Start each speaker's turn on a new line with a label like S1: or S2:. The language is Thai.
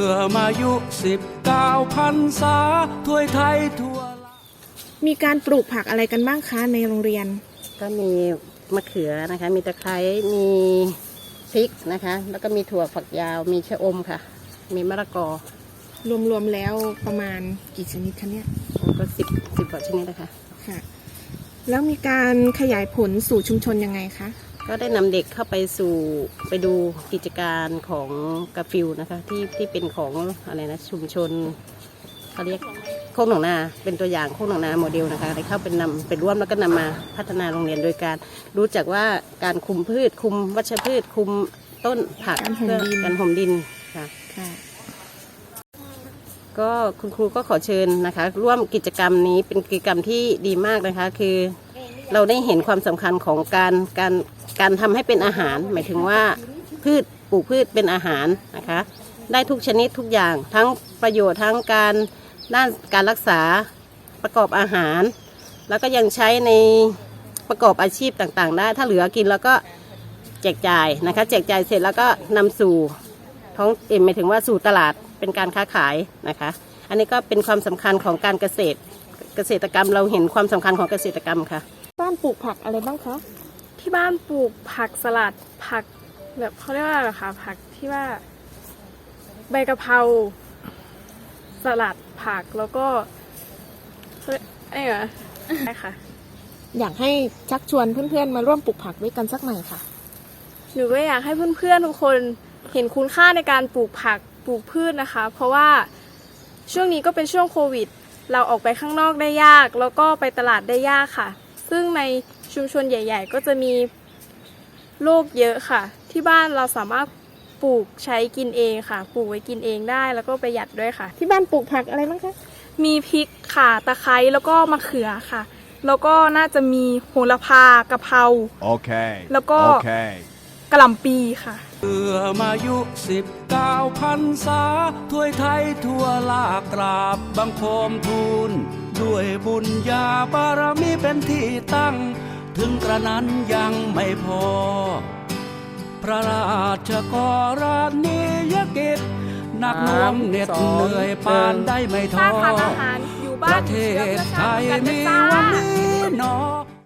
S1: อมายุ19 พรรษาถ้วยไทยทั่ว
S2: มีการปลูกผักอะไรกันบ้างคะในโรงเรียน
S3: ก็มีมะเขือนะคะมีตะไคร้มีพริกนะคะแล้วก็มีถั่วฝักยาวมีชะอมค่ะมีมะละกอ
S2: รวมๆแล้วประมาณกี่ชนิดคะเนี่ย
S3: ก็สิบกว่าชนิดนะคะ
S2: ค่ะแล้วมีการขยายผลสู่ชุมชนยังไงคะ
S3: ก็ได้นำเด็กเข้าไปดูกิจการของกาฟิลนะคะที่เป็นของอะไรนะชุมชนเขาเรียกโคกหนองนาเป็นตัวอย่างโคกหนองนาโมเดลนะคะได้เข้าเป็นร่วมแล้วก็นำมาพัฒนาโรงเรียนโดยการรู้จักว่าการคุมพืชคุมวัชพืชคุมต้นผักการห่มดินค่ะก็คุณครูก็ขอเชิญนะคะร่วมกิจกรรมนี้เป็นกิจกรรมที่ดีมากนะคะคือเราได้เห็นความสำคัญของการทำให้เป็นอาหารหมายถึงว่าปลูกพืชเป็นอาหารนะคะได้ทุกชนิดทุกอย่างทั้งประโยชน์ทั้งด้านการรักษาประกอบอาหารแล้วก็ยังใช้ในประกอบอาชีพต่างๆได้ถ้าเหลือกินแล้วก็แจกจ่ายนะคะแจกจ่ายเสร็จแล้วก็นำสู่หมายถึงว่าสู่ตลาดเป็นการค้าขายนะคะอันนี้ก็เป็นความสำคัญของการเกษตรกรรมเราเห็นความสำคัญของเกษตรกรรมค่ะ
S2: บ้านปลูกผักอะไรบ้างคะ
S4: ที่บ้านปลูกผักสลัดผักแบบเขาเรียกว่าอะไรคะผักที่ว่าใบกะเพราสลัดผักแล้วก็ใช่ค่ะ
S2: อยากให้ชักชวนเพื่อนๆมาร่วมปลูกผักด้วยกันสักหน่อยค่ะ
S4: หนูก็อยากให้เพื่อนๆทุกคนเห็นคุณค่าในการปลูกผักปลูกพืชนะคะเพราะว่าช่วงนี้ก็เป็นช่วงโควิดเราออกไปข้างนอกได้ยากแล้วก็ไปตลาดได้ยากค่ะซึ่งในชุมชนใหญ่ๆก็จะมีโรคเยอะค่ะที่บ้านเราสามารถปลูกใช้กินเองค่ะปลูกไว้กินเองได้แล้วก็ประหยัดด้วยค่ะ
S2: ที่บ้านปลูกผักอะไรบ้างคะ
S4: มีพริกค่ะตะไคร้แล้วก็มะเขือค่ะแล้วก็น่าจะมีโหระพากะเพรา
S5: โอเค
S4: แล้วก็กะหล่ำปีค่ะ
S1: เพื่อมายุ19 พรรษาถ้วยไทยทั่วลากราบบังคมทูลด้วยบุญญาบารมีเป็นที่ตั้งถึงกระนั้นยังไม่พอพระราชกรณียกิจหนักหน่วงเหน็ดเหนื่อยปานได้ไม่ท้อประเทศไทยมีวันนี้หนอ